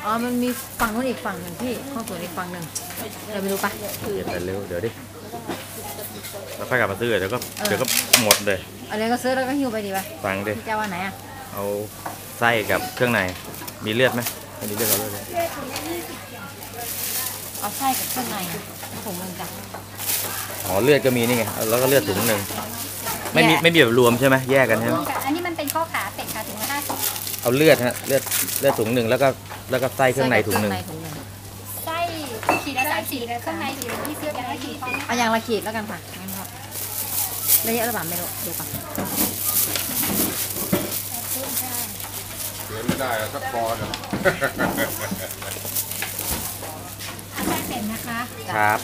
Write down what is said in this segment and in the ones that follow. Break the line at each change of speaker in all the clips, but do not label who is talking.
อ๋อมันมีฝั่งนู้นอีกฝั่งหนึ่งพี่ข้อส่วนอีกฝั่งหนึ่งเราไปดูปะ
เก็บไปเร็วเดี๋ยวดิแล้วค่อยกลับมาซื้อเดี๋ยวก็หมดเลย
อะไรก็ซื้อแล้วก็หิ้วไปดีปะ
ฟังดิ
พี่จะว่าไหนอ่ะ
เอาไส้กับเครื่องในมีเลือดไหมไม่มีเลือดเอาเลือดเลย
เอาไส้กับเครื่องในถุงนึงจ้ะ
อ๋อเลือดก็มีนี่ไงแล้วก็เลือดถุงหนึ่งไม่มีแบบรวมใช่ไหมแยกกันใช่ไหม
อันนี้มันเป็นข้อขาเป็ดค่ะถึง50
เอาเลือดฮะเลือดถุงหนึ่งแล้วก็ไส้เครื่องในถุงหนึ่ง
ไส้ขีดละ30เครื่องในขีดละ20อย่างละขีด
เอาอย่างละขีดแล้วกันค่ะงั้นครับระยะระหว่างไม่รู้เดี๋ยวก่อน
เสียไม่ได้อะสักคอนะ
ไส้เป็ดนะคะ
ครับ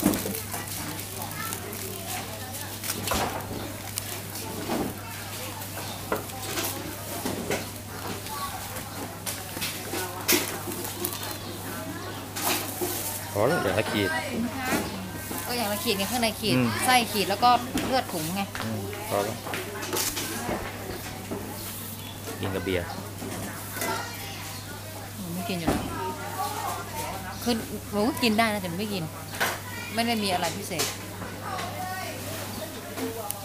พอแล้วเดี๋ยวละขีด
ก็อย่างละขีดไงข้างในขีด
อืม
ไส้ขีดแล้วก็เลือดถุงไง
พอแล้วกินกับเบียร์
หนูไม่กินอยู่แล้วคือหนูก็กินได้นะแต่หนูไม่กิน ไม่ได้มีอะไรพิเศษ